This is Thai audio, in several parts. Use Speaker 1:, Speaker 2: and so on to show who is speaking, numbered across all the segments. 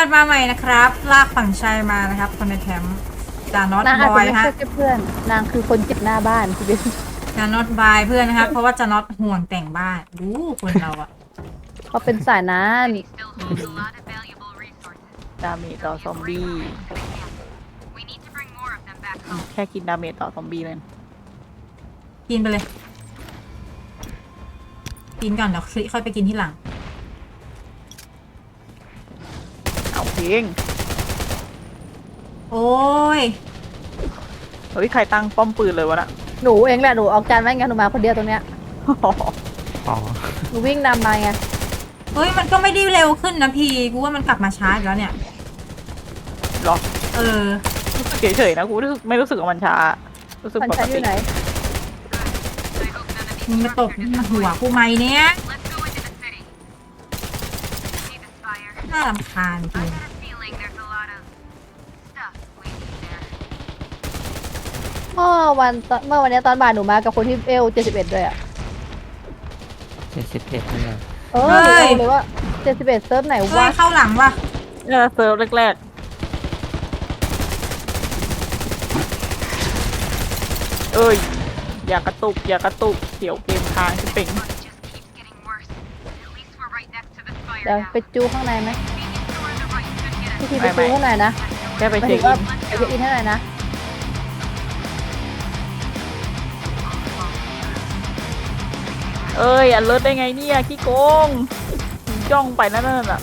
Speaker 1: กันมาใหม่นะครับลากฝั่งชายมานะครับคนในแคมป์จานอต
Speaker 2: นางอาจ
Speaker 1: บอ
Speaker 2: จะ
Speaker 1: ย
Speaker 2: ไม่
Speaker 1: ฮะ
Speaker 2: ใช่แค่เพื่อนนางคือคนเจ็บหน้าบ้านพี่เบน
Speaker 1: จานอตบายเพื่อนนะครับเพราะว่าจานอตห่วงแต่งบ้านดูคนเราอะ
Speaker 2: เขาเป็นสายนั้น
Speaker 3: ดาเมจต่อซอมบี้แค่กินดาเมจต่อซอมบี้เลย
Speaker 1: กินไปเลยกินก่อนเดี๋ยวค่อยไปกินที่หลัง
Speaker 3: เอาเพลง
Speaker 1: โอ้ย
Speaker 3: เฮ้ยใครตั้งป้อมปืนเลยวะน่ะ
Speaker 2: หนูเองแหละหนูเอาจานไว้ไงหนูมาคนเดียวตรงเนี้ย
Speaker 4: อ๋อ
Speaker 2: หนูวิ่งนำมาไง
Speaker 1: เฮ้ยมันก็ไม่ได้เร็วขึ้นนะพี่กูว่ามันกลับมาช้าอีกแล้วเนี่ย
Speaker 3: หรอ
Speaker 1: เออ
Speaker 3: รู้สึกเฉยๆนะกูไม่รู้สึกว่ามันช้ารู้สึก
Speaker 2: พัน
Speaker 3: ป
Speaker 2: ชั
Speaker 3: ก
Speaker 2: นอ
Speaker 3: ติ
Speaker 2: ยู่ไหน
Speaker 1: มึงมาตกมาหัวกูไหมเนี่ยน่ารำคาญจริง
Speaker 2: เมื่อวันนี้ตอนบ่ายหนูมากับคนที่เอล71ด้วยอ่ะ
Speaker 4: 71นี่ไง
Speaker 2: หนูเอาเลยว่า71เซิร์ฟไหน
Speaker 1: เฮ้
Speaker 2: วะ
Speaker 1: ยเข้าหลังว่ะ
Speaker 3: เนี่ยเซิร์ฟแรกๆเอ้ยอย่ากระตุกเดี๋ยวเกมค้างจะเป่ง
Speaker 2: เดี๋ยวไปจูข้างในไหมพี่ทีไปจูข้างในนะ
Speaker 3: แค่ไป
Speaker 2: หมาย
Speaker 3: เช็
Speaker 2: ถึ
Speaker 3: ค
Speaker 2: ง
Speaker 3: อิ
Speaker 2: ว่าน ไปเช็คอินข้างในนะ
Speaker 3: เอ้ยอันเลิศได้ไงเนี่ยขี้โกงจ้องไปนั่นน่ะ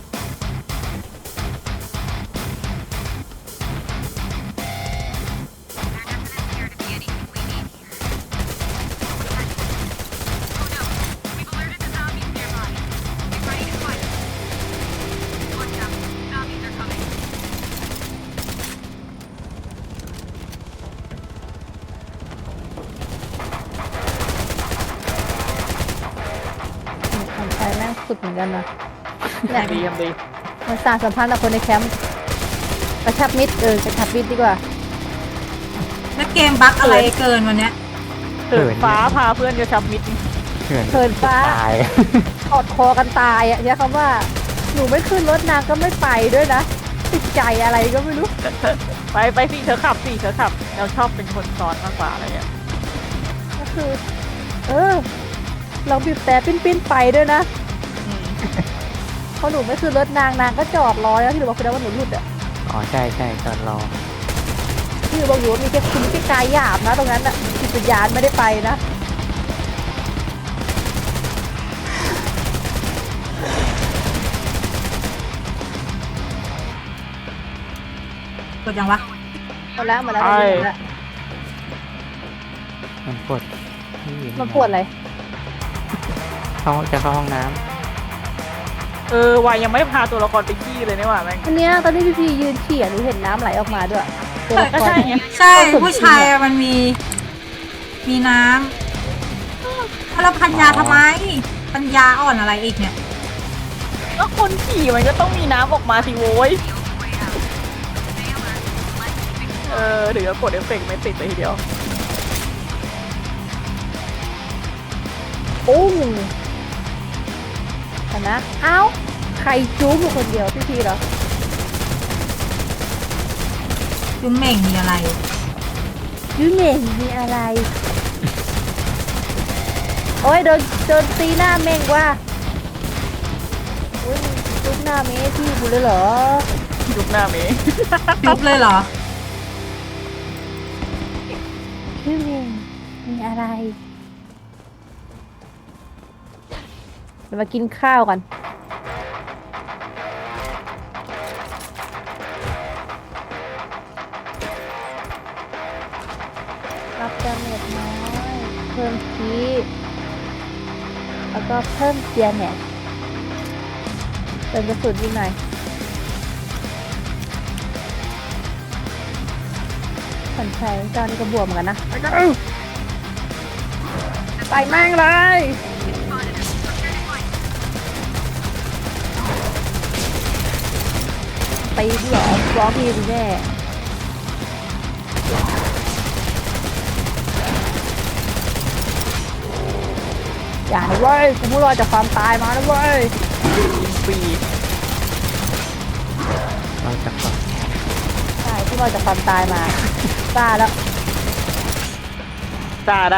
Speaker 2: คนไทยแม่งสุดเหมือนกันนะ
Speaker 3: ทำดี
Speaker 2: มันสร้างสัมพันธ์กับคนในแคมป์กระชับมิตรกระชับมิตรดีกว่า
Speaker 1: แล้วเกมบั๊กอะไรเกินวันเนี้ย
Speaker 3: เถิดฟ้าพาเพื่อนจะชับมิด
Speaker 4: เขื่อน
Speaker 2: เทินฟ้า
Speaker 4: ตาย
Speaker 2: กอดคอกันตายอ่ะใช้คำว่าหนูไม่ขึ้นรถนางก็ไม่ไปด้วยนะติดใจอะไรก็ไม่รู้
Speaker 3: ไปสิเธอขับเราชอบเป็นคนซ้อนมากกว่าอะไรเงี้ย
Speaker 2: ก็คือ เราบีบแต่ปิ้นไปด้วยนะเพราะหนูไม่ขึ้นรถนางก็จอดรอแล้วที่หนูบอกคุณได้ว่าหนูหลุดอ่ะ
Speaker 4: อ๋อใช่ตอนรอ
Speaker 2: ที่หนูบอกอยู่ว่ามีแค่คุณแค่กายหยาบนะตรงนั้นอ่ะจิตวิญญาณไม่ได้ไปนะ
Speaker 1: กดยังวะ
Speaker 2: หมดแล้ว
Speaker 4: มันปวดที่
Speaker 2: มันปวดอะไร
Speaker 4: จะเข้าห้องน้
Speaker 3: วายยังไม่พาตัวละครไปขี้เลยนี่หว่าแม่ง
Speaker 2: อันเนี้ยตอนที่พี่ยืนเฉี่ยหนูเห็นน้ำไหลออกมาด้วยตัวละค
Speaker 3: ก็
Speaker 2: ร
Speaker 3: ใช่ไง
Speaker 1: ใช่ผู้ชายอะมันมีน้ำแล้วพันยาทำไมปัญญาอ่อนอะไรอีกเนี่ย
Speaker 3: แล้วคนขี่มันก็ต้องมีน้ำออกมาสิโว้ยถือว่ากดเอฟเฟกต์ไม่ติดเลยทีเดียว
Speaker 2: ปุ้งแต่นะเอ้าใครจู๊อยู่คนเดียวพี่เหรอ
Speaker 1: จุ๊มเหม่งมีอะไร
Speaker 2: ยูเหม่งมีอะไร โอ้ยโดนตีหน้าเม่งว่าอุ้ยจุ๊บหน้าเมพี่บุเลยเหรอ
Speaker 3: ยุคหน้าเมย์
Speaker 1: จุ๊บเลยเหรอ
Speaker 2: ยูเหม่งมีอะไรเดี๋ยวมากินข้าวกันรับดาเมจน้อยเพิ่มคีแล้วก็เพิ่มเจียร์แหนเติมกระสุนอีกหน่อยสันชัยเจ้านี่ก็บวมเหมือนกันนะไปแม่งเลยตีพี่หรอร้องพี่คุณแม่อย่านะเว้ยกูรอดจากความตายมานะเว้ย
Speaker 3: ยิงฟรี
Speaker 4: อยจากก่อน
Speaker 2: ใช่ที่มาจากความตายมาบ้าแล้ว
Speaker 3: จ้าได้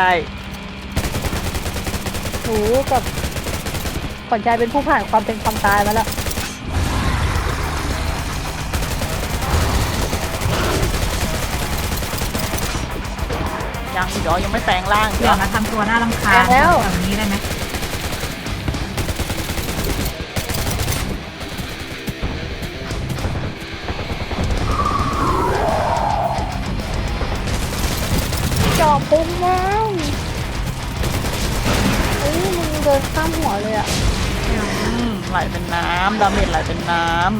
Speaker 2: หนูกับขวัญใจเป็นผู้ผ่านความเป็นความตายมาแล้ว
Speaker 3: ยังอีกเหรอยังไม่แปลงร่างอีก
Speaker 1: อ
Speaker 3: เหร
Speaker 1: ย่า
Speaker 3: อ
Speaker 1: มาทำตัวน่ารำคาญแบบนี้ได้ไหม
Speaker 2: จอบปุ้งแล้วเฮ้ยมึงเดินข้ามหัวเลยอ่ะ
Speaker 3: ไหลเป็นน้ำดาเมจไหลเป็นน้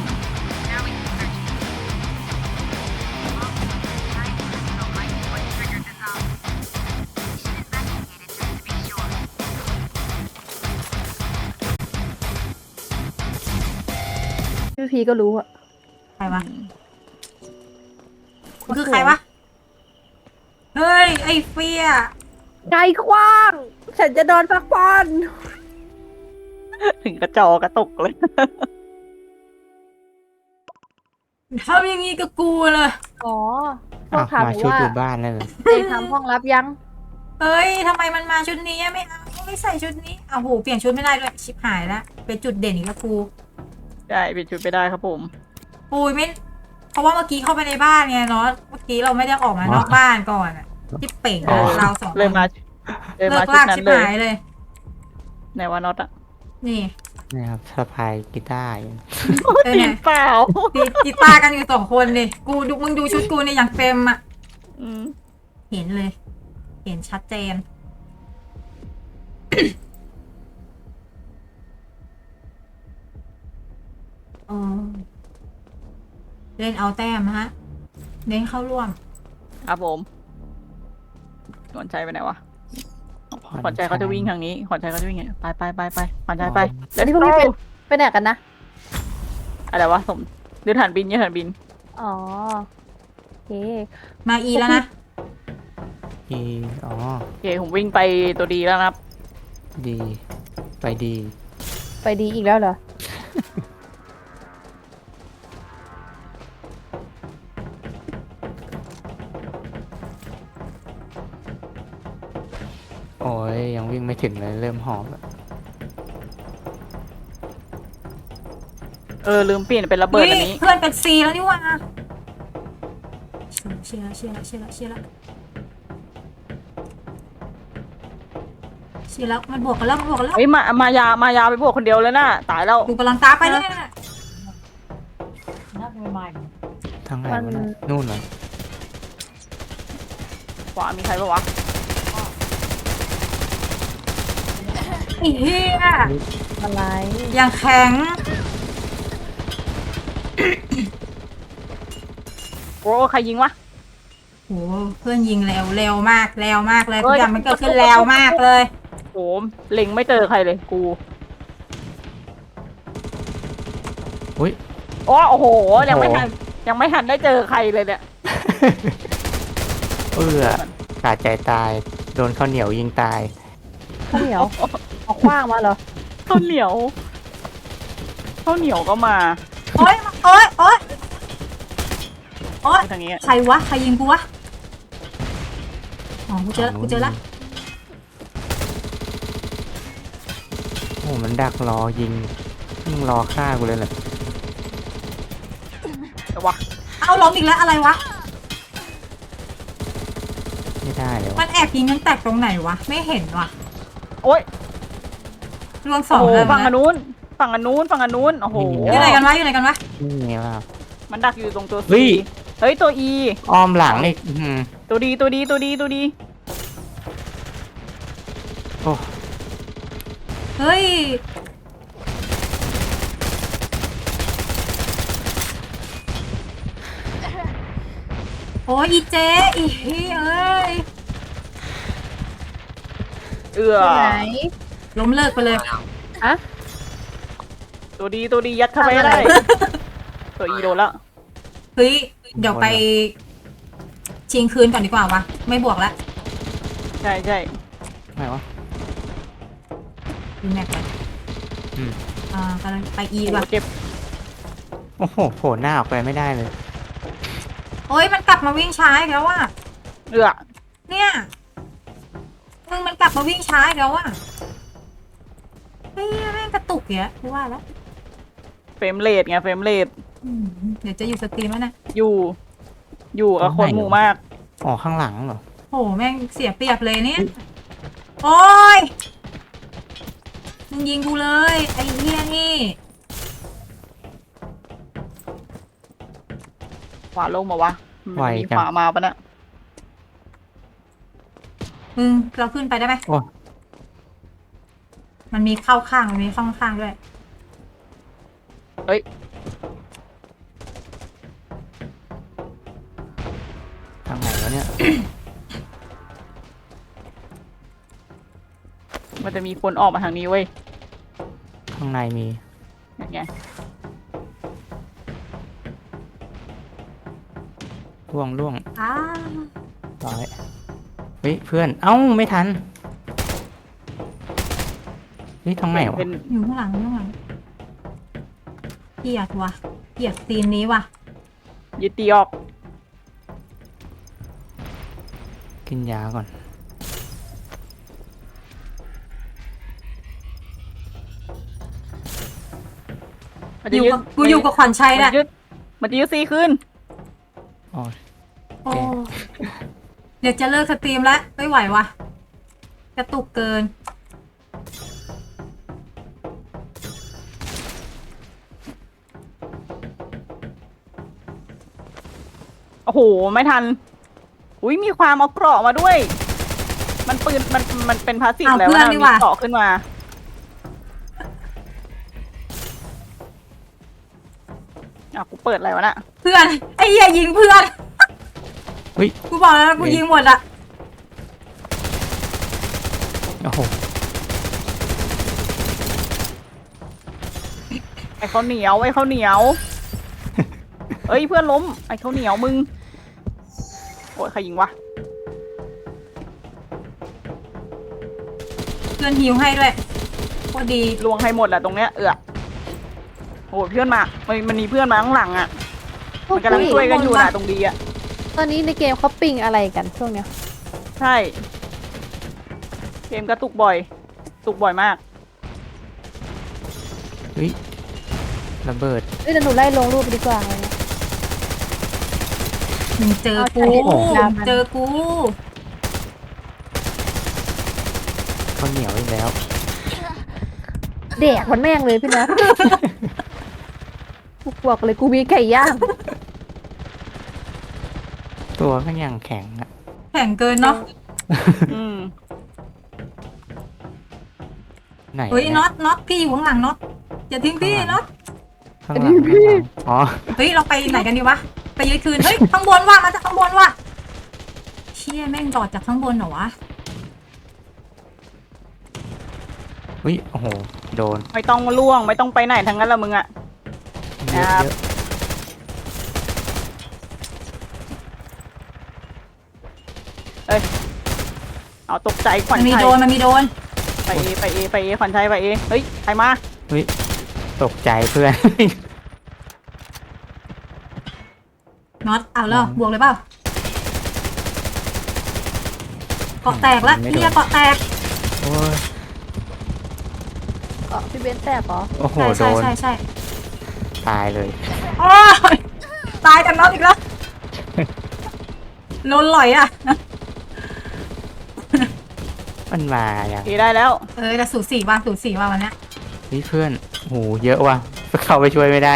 Speaker 2: พี่พีก็รู้อ่ะ
Speaker 1: ใครวะมันคือใครวะ เฮ้ย ไอ้เฟีย
Speaker 2: ใจกว้าง ฉันจะโดนพักผ่อน
Speaker 3: ำถึงกระจอกระตกเลย
Speaker 1: ทำอย่างนี้กับกูเลย
Speaker 2: อ๋อต้อ
Speaker 4: อ้าง ว
Speaker 2: ถาม
Speaker 4: มา
Speaker 2: หนู
Speaker 4: ชุด
Speaker 2: ว่า
Speaker 4: อยู่บ้านเลยเหรอ
Speaker 2: เองทำห้องลับยัง
Speaker 1: เฮ้ย ทำไมมันมาชุดนี้ไม่เอาไม่ใส่ชุดนี้เอาโหเปลี่ยนชุดไม่ได้ด้วย ชิบหายละเป็นจุดเด่นอีกแล้วกู
Speaker 3: ได้เปลี่ยนชุดไปได้ครับผม
Speaker 1: ปุยไม่ เพราะว่าเมื่อกี้เข้าไปในบ้านไงเนาะ เมื่อกี้เราไม่ได้ออกมานอกบ้านก่อนอะที่เป่งอะเราสองคน
Speaker 3: เลยมาเลย
Speaker 1: เลิ
Speaker 3: มาก ชุด
Speaker 1: ลาก
Speaker 3: นั้
Speaker 1: ชิ
Speaker 3: น
Speaker 1: บ
Speaker 3: เลย
Speaker 1: หายเลย
Speaker 3: ไหนว่าน็อตอะ
Speaker 1: นี่
Speaker 4: นี่ครับสะพายกีตาร์อยู่
Speaker 1: เออ
Speaker 3: ตี
Speaker 1: เนี่ย
Speaker 3: นเปล่า
Speaker 1: ตีกีตาร์กันอยู่สองคนนี่กูดูมึงดูชุดกูเนี่ยอย่างเต็มอะ
Speaker 3: อืม
Speaker 1: เห็นเลย เห็นชัดเจน อ๋อเล่นเอาแต้มฮะ เน้นเข้าร่วม
Speaker 3: ครับผมขวัญใจไปไหนวะขวัญใจเขาจะวิ่งทางนี้ขวัญใจเขาจะวิ่งไงไปขวัญใจไป
Speaker 2: อันนี้พวกนี้ไปไหนกันนะ
Speaker 3: อะไรวะสมยืดฐานบินยืดฐานบิน
Speaker 2: อ๋อ โอเค
Speaker 1: มาอีแล้วนะ
Speaker 4: อีอ๋อ
Speaker 3: โอเคผมวิ่งไปตัวดีแล้วนะครับ
Speaker 4: ดีไปดี
Speaker 2: ไปดีอีกแล้วเหรอ
Speaker 4: โอ้ยยังวิ่งไม่ถึงเลยเริ่มหอบแล้ว
Speaker 3: ลืมเปลี่ยนเป็นระเบิดอันนี้
Speaker 1: เพื่อนเป็นซีแล้วนี่หว่าเชียร์แล้วเชียร์แล้วเชียร์แล้วเชียร์แล้วเชียร์แล้วมันบวกกันแล้วมันบวกกันแล้ว
Speaker 3: เฮ้ยมายาไปบวกคนเดียวเลยนะตายแล้ว
Speaker 1: กูกำลังตามไปเลยนะ
Speaker 4: ทางไหนวะเนี่ยนู่นเหรอ
Speaker 3: ขวามีใครปะวะ
Speaker 1: ไอ้เหี้ย
Speaker 2: อะไร
Speaker 1: อย่างแข็ง
Speaker 3: โอ้ใครยิงวะ
Speaker 1: โหเพื่อนยิงเร็วมากเร็วมากเลย
Speaker 3: เฮ้
Speaker 1: ทุก
Speaker 3: ย
Speaker 1: อย่างมันเกิดขึ้นเร็วมากเลย
Speaker 3: โหเล็งไม่เจอใครเลยกู
Speaker 4: อุ้ย
Speaker 3: โอ้โหยังไม่
Speaker 4: โอ้โห
Speaker 3: ทันได้เจอใครเลยเนี่ย
Speaker 4: ขาดใจตายโดนข้าวเหนียวยิงตาย
Speaker 2: ข้าวเหนียวเอาขว้างมาเหรอ
Speaker 3: ข้าวเหนียวก็มา
Speaker 1: โอ๊ยโอ๊ยโอ๊ยโอ๊ย
Speaker 3: ทางนี้อะ
Speaker 1: ใครวะใครยิงกูวะอ๋อกูเจอละ
Speaker 4: โอ้มันดักรอยิงรอฆ่ากูเลยแหละ
Speaker 3: แต่วะ
Speaker 1: เอาล้มอีกแล้วอะไรวะ
Speaker 4: ไม่ได้เลยวะ
Speaker 1: มันแอบยิงยังแตกตรงไหนวะไม่เห็นวะ
Speaker 3: โอ๊ย
Speaker 1: รวมส
Speaker 3: โอ้
Speaker 1: อง
Speaker 3: โห
Speaker 1: เลย
Speaker 3: ฝั่งอั
Speaker 1: นะ
Speaker 3: นนู้นโอ้โห
Speaker 1: อยู่ไหนกันวะอยู่ไหนกันวะ
Speaker 4: นี่ไงล่ะ
Speaker 3: มันดักอยู่ตรงตัว
Speaker 4: เฮ้
Speaker 3: ซี
Speaker 4: ย
Speaker 3: เฮ้ยตัวอี
Speaker 4: อ้อมหลังอีก
Speaker 3: ตัวดี
Speaker 4: โอ้
Speaker 1: เฮ้ยโอ้ยอีเจ๊อีเฮ้ยเอ้ย
Speaker 2: ไหน
Speaker 1: ล้มเลิกไปเลย
Speaker 2: อะ
Speaker 3: ตัวดียัดเข้าไปให้ได้ ตัวอีโดนแล้ว
Speaker 1: เฮ้ยเดี๋ยวไปชิงคืนก่อนดีกว่าวะไม่บวกแล้ว
Speaker 3: ใช่
Speaker 4: ไหนวะ
Speaker 1: ดูแม็กเลย
Speaker 4: อืม
Speaker 1: กำลังไปอี
Speaker 3: โอ้
Speaker 1: ดีกว่า
Speaker 3: โหเจ็บ
Speaker 4: โอ้โหโผล่หน้าออกไปไม่ได้เลย
Speaker 1: โอ้ยมันกลับมาวิ่งช้าอีกแล้วว่ะ
Speaker 3: เอือ
Speaker 1: เนี่ยมึงมันกลับมาวิ่งช้าอีกแล้วว่ะเฮ้ยแม่งกระตุกเงี้ยกูว่าแล้ว
Speaker 3: เฟรมเรทไงเฟรมเรท
Speaker 1: เดี๋ยวจะอยู่สตรีมแล้วนะ
Speaker 3: อยู่กับคนหมู่มาก
Speaker 4: อ๋อข้างหลังเหรอ
Speaker 1: โหแม่งเสียเปรียบเลยเนี่ยโอ้ยมึงยิงกูเลยไอ้เหี้ยนี่
Speaker 3: ขวาลงมาวะมันมีขวามาปะเนี่ย
Speaker 1: มึงเราขึ้นไปได้ไหม
Speaker 4: โอ้
Speaker 1: มันมีเข้าข้างมันมีเข้าข้างด้วย
Speaker 3: เฮ้ย
Speaker 4: ทางไหนวะเนี่ย
Speaker 3: มันจะมีคนออกมาทางนี้เว้ย
Speaker 4: ข้างในมี
Speaker 3: อย่างเงี้ย
Speaker 4: ล่วง
Speaker 1: อ้า
Speaker 4: ร้อยเฮ้ยเพื่อนเอ้าไม่ทันเฮ้ยทางไหนวะ
Speaker 3: เป็น
Speaker 1: อยู่ข้างหลังข้างหลังเกลียดว่ะเกลียดซีนนี้ว่ะ
Speaker 3: ยึดตีออก
Speaker 4: กินยาก่อน
Speaker 3: มัน
Speaker 1: อ
Speaker 3: จะ
Speaker 1: ยู่
Speaker 3: ยึด
Speaker 1: กับกูอยู่กับขวัญชัย
Speaker 3: มัน
Speaker 1: น่ะ
Speaker 3: จะยึดมันจะยึดซีขึ้น
Speaker 4: อ๋อ
Speaker 1: โอ้เดี๋ยวจะเลิกสตรีมแล้วไม่ไหวว่ะกระตุกเกิน
Speaker 3: โอ้โห ไม่ทัน อุ้ยมีความเอาเกราะมาด้วย มันปืนมันเป็นพลาสติก
Speaker 1: เอา
Speaker 3: แล้ว
Speaker 1: เพื่อน
Speaker 3: นะ
Speaker 1: ดี
Speaker 3: มี
Speaker 1: กว่า
Speaker 3: เกราะขึ้นมาอ่ะกูเปิดอะไรวะน่ะ
Speaker 1: เพื่อนไอ้เหี้ยยิงเพื่อน
Speaker 4: เฮ้ย
Speaker 1: กูบอกแล้วนะกูยิงหมดอะ
Speaker 4: โอ้โห
Speaker 3: ไอ้ข้าวเหนียวไอ้ข้าวเหนียว เอ้ยเพื่อนล้มไอ้ข้าวเหนียวมึง โอ้ยใครยิงวะ
Speaker 1: เพื่อนฮิวให้ด้วยโคตรดี
Speaker 3: ลวงให้หมดแหละตรงเนี้ยโอ้โหเพื่อนมามันมีเพื่อนมาข้างหลังอ่ะ มันกำลังช่วยกันอยู่นะตรงดีอ่ะ
Speaker 2: ตอนนี้ในเกมเขาปิงอะไรกันช่วงเนี้ย
Speaker 3: ใช่ เกมกระตุกบ่อยตุกบ่อยมาก
Speaker 4: เฮ้ยระเบิด
Speaker 2: เอ้ยเดี๋ยวหนูไล่ลงรูปไปดีกว่าอะไรเงี้ย
Speaker 1: มึงเจอกู
Speaker 2: เอาใจ
Speaker 1: มึงเจอกู
Speaker 4: ข้าวเหนียวอีกแล้ว
Speaker 2: เด็กมันแม่งเลยพี่นะ กูบอกเลยกูมีไก่ย่าง
Speaker 4: ตัวก็ยังแข็งอะ
Speaker 1: แข็งเกินเนาะ
Speaker 3: อืม
Speaker 4: ไหน
Speaker 1: เฮ้ย
Speaker 4: เนี่ย
Speaker 1: น็อตพี่อยู่ข้างหลังน็อตอย่าทิ้งพี่น็อต
Speaker 4: ข้างหลังข้างหลังอ๋อ
Speaker 1: เฮ้ยเราไปไหนกันดีวะไปยึดคืนเฮ้ยข้างบนว่ะมาจากข้างบนว่ะเชี่ยแม่งดอดจากข้างบนเหรอวะ
Speaker 4: เฮ้ยโอ้โหโดน
Speaker 3: ไม่ต้องล่วงไม่ต้องไปไหนทั้งนั้นละมึงอ่ะ
Speaker 4: เยอะ
Speaker 3: ครับ
Speaker 4: เยอะ
Speaker 3: เอาตกใจขวั
Speaker 1: มั
Speaker 3: ญ
Speaker 1: นมี
Speaker 3: ชัย
Speaker 1: โดนมันมีโดน
Speaker 3: ไปเอขวัญชัยไปเอเฮ้ยใครมา
Speaker 4: เฮ้ยตกใจเพื่อน
Speaker 1: น็อตเอาแล้วบวกเลยเปล่าเกาะแตกแล้ว
Speaker 4: ไม่โดน
Speaker 1: เฮียเกาะแตก
Speaker 4: โอ้ย
Speaker 2: เกาะพี่เบนแตกเหรอ
Speaker 4: โอ้โห
Speaker 1: ใช่
Speaker 4: โด
Speaker 1: ใช่
Speaker 4: น
Speaker 1: ใช่ใช่
Speaker 4: ตายเลย
Speaker 1: โอ้ยตายจากน็อตอีกแล้วโดนหลอยอ่ะ
Speaker 4: มันมาอย่าง
Speaker 3: เอได้แล้ว
Speaker 1: แต่สูตรสี่ว่ะสูตรสี่ว่ะวันเนี้ย
Speaker 4: นี่เพื่อนโหเยอะว่ะเข้าไปช่วยไม่ได้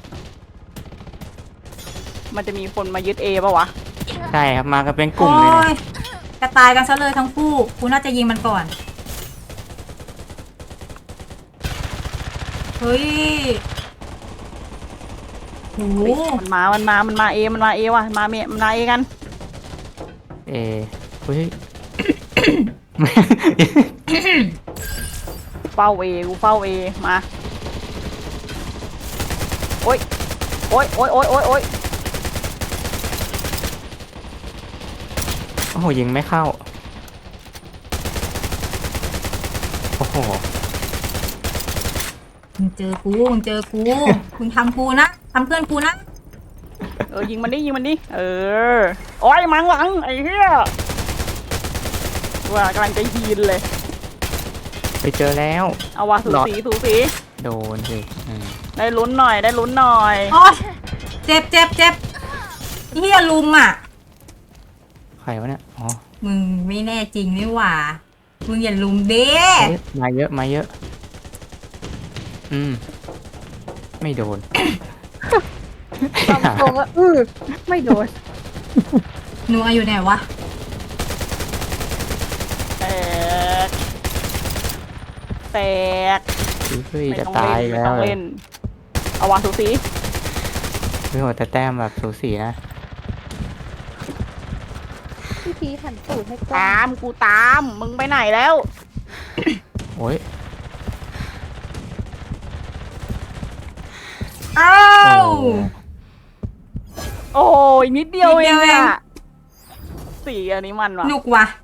Speaker 3: มันจะมีคนมายึดเอป่ะวะ
Speaker 4: ใช่ครับมากันเป็นกลุ่ม
Speaker 1: โอ้
Speaker 4: เลยเนี่ย
Speaker 1: ยจะตายกันซะเลยทั้งคู่กูน่าจะยิงมันก่อนเฮ้ยโอ้โห
Speaker 3: เฮ้ยมันมาเอว่ะมันมาเอกัน
Speaker 4: เอเฮ้ย
Speaker 3: เฝ้าเอกูเฝ้าเอมาโอ๊ยโอ๊ย
Speaker 4: โอ้โหยิงไม่เข้าโอ้โห
Speaker 1: มึงเจอกูมึงทำกูนะทำเพื่อนกูนะ
Speaker 3: ยิงมันดิยิงมันดิโอ้ยมังหลังไอ้เหี้ยว่ากำลังจะยีนเลย
Speaker 4: ไปเจอแล้ว
Speaker 3: เอาว่าสูสีสูสี
Speaker 4: โดนสิ
Speaker 3: ได้ลุ้นหน่อยได้ลุ้นหน่อย
Speaker 1: โอ๊ยเจ็บเจ็บเจ็บเฮียลุมอ่ะ
Speaker 4: ใครวะเนี่ยอ๋อ
Speaker 1: มึงไม่แน่จริงนี่หว่า มึงอย่าลุมเด้
Speaker 4: เฮ้ยมาเยอะมาเยอะ ไม่โดน
Speaker 2: ตำตรงว่าไม่โดน
Speaker 1: หนูอยู่ไหนวะ
Speaker 3: แตกแตก
Speaker 4: เฮ้ย
Speaker 3: ไม่
Speaker 4: จะ
Speaker 3: ต้อง
Speaker 4: ตาย
Speaker 3: เล่นไม่
Speaker 4: แล้
Speaker 3: ต้
Speaker 4: ว
Speaker 3: องเล่นเอาว่าสูสี
Speaker 4: เฮ้ยโหแต่แต้มแบบสูสีนะ
Speaker 2: พี่พีหันตูดให้กล้อง
Speaker 3: ตามกูตามมึงไปไหนแล้ว
Speaker 4: โอ้ย
Speaker 1: อ้า
Speaker 4: โอ้
Speaker 1: ว
Speaker 3: โอ้ยนิดเดียว
Speaker 1: นิด
Speaker 3: เอ
Speaker 1: เดียว
Speaker 3: ง
Speaker 1: เอง
Speaker 3: อะสีอันนี้มันว่ะ
Speaker 1: หนุกว่ะ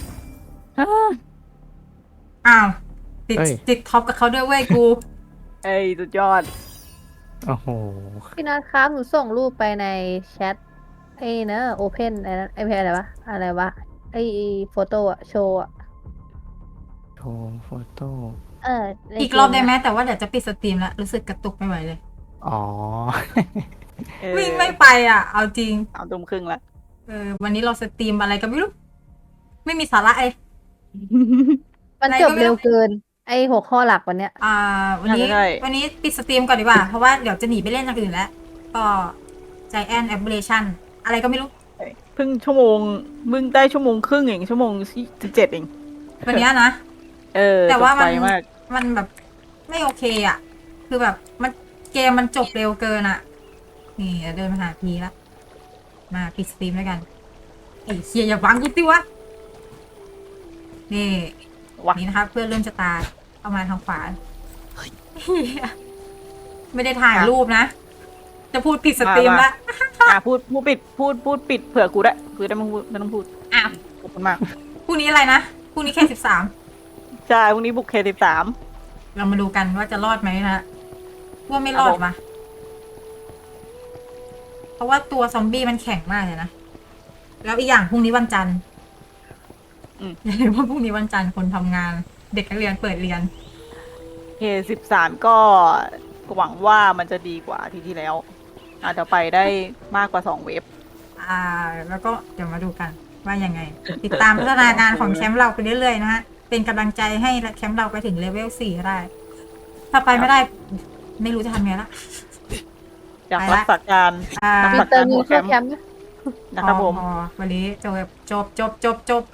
Speaker 1: อ้าว ติดท็อปกับเขาด้วยเว้ยกู
Speaker 3: เอ้ยสุดยอด
Speaker 4: โอ้โห
Speaker 2: พี่นัทครับหนูส่งรูปไปในแชทไอ้นะโอเพนไอ้นั้นไอ้เพจอะไรวะไอ้โฟโต้อะโชว์อะ
Speaker 4: โทรโฟโต้
Speaker 2: ใน
Speaker 1: อีกรอบได้ไหมแต่ว่าเดี๋ยวจะปิดสตรีมแล้ว รู้สึกกระตุกไม่ไหวเลย
Speaker 4: อ๋อ
Speaker 1: วิ่งไม่ไปอ่ะ เอาจริง
Speaker 3: เอาตุ้มครึ่งละ
Speaker 1: วันนี้เราสตรีมอะไรก็ไม่รู้ ไม่มีสาระเลย
Speaker 2: มันจบเร็วเกิน ไอ้หัวข้อหลักวันเนี้ย
Speaker 1: วันนี้ปิดสตรีมก่อนดีกว่า เพราะว่าเดี๋ยวจะหนีไปเล่นอย่างอื่นแล้ว ก็ Giant Aberration อะไรก็ไม่รู้
Speaker 3: เพิ่งชั่วโมงมึงได้ชั่วโมงครึ่งเองชั่วโมง17เอง
Speaker 1: วันเนี้ยนะ แต่
Speaker 3: จบ
Speaker 1: ว่า
Speaker 3: ไวมาก
Speaker 1: มันแบบไม่โอเคอ่ะ คือแบบเกมมันจบเร็วเกินอ่ะ นี่เดินมาหาพีละมาปิดสตรีมด้วยกันไอ้เชียอย่าบังกูติวะ นี่
Speaker 3: ว่ะ
Speaker 1: นี่นะครับ เพื่อนเริ่มจะตายเอามาทางขวาเหี้ยไม่ได้ถ่ายรูปนะ จะพูดปิดสตรีมละ
Speaker 3: พูดปิดเผื่อกูได้คือได้ไม่ต้องพูด
Speaker 1: อ้าว
Speaker 3: ขอบคุณมาก
Speaker 1: พรุ่งนี้อะไรนะพรุ่งนี้แค่13
Speaker 3: ใช่พรุ่งนี้บุกK13
Speaker 1: เรามาดูกันว่าจะรอดไหมนะว่าไม่รอด
Speaker 3: ครับผม
Speaker 1: วะเพราะว่าตัวซอมบี้มันแข็งมากเลยนะ แล้วอีกอย่างพรุ่งนี้วันจันทร์อย่าลืมว่าพรุ่งนี้วันจันทร์คนทำงาน เด็กนักเรียนเปิดเรียน
Speaker 3: K13ก็หวังว่ามันจะดีกว่าที่แล้วอาจจะไปได้มากกว่า2เวฟ
Speaker 1: แล้วก็เดี๋ยวมาดูกันว่ายังไง ติดตามพัฒนาการของแคมป์เราไปเรื่อยๆนะฮะ เป็นกำลังใจให้แคมป์เราไปถึงเลเวล4ได้ ถ้าไปไม่ได้ ไม่รู้จะทำไงละ
Speaker 3: อยาก
Speaker 1: ไปละ
Speaker 3: รักษาการ
Speaker 1: อ่า
Speaker 3: รัก
Speaker 2: มี
Speaker 3: ษา
Speaker 2: เติ
Speaker 3: กาม ร
Speaker 2: มี
Speaker 3: หัวแค
Speaker 2: เข้าม
Speaker 3: ป์
Speaker 2: แคมป์
Speaker 3: นะครับผม
Speaker 1: พอวันนี้จบ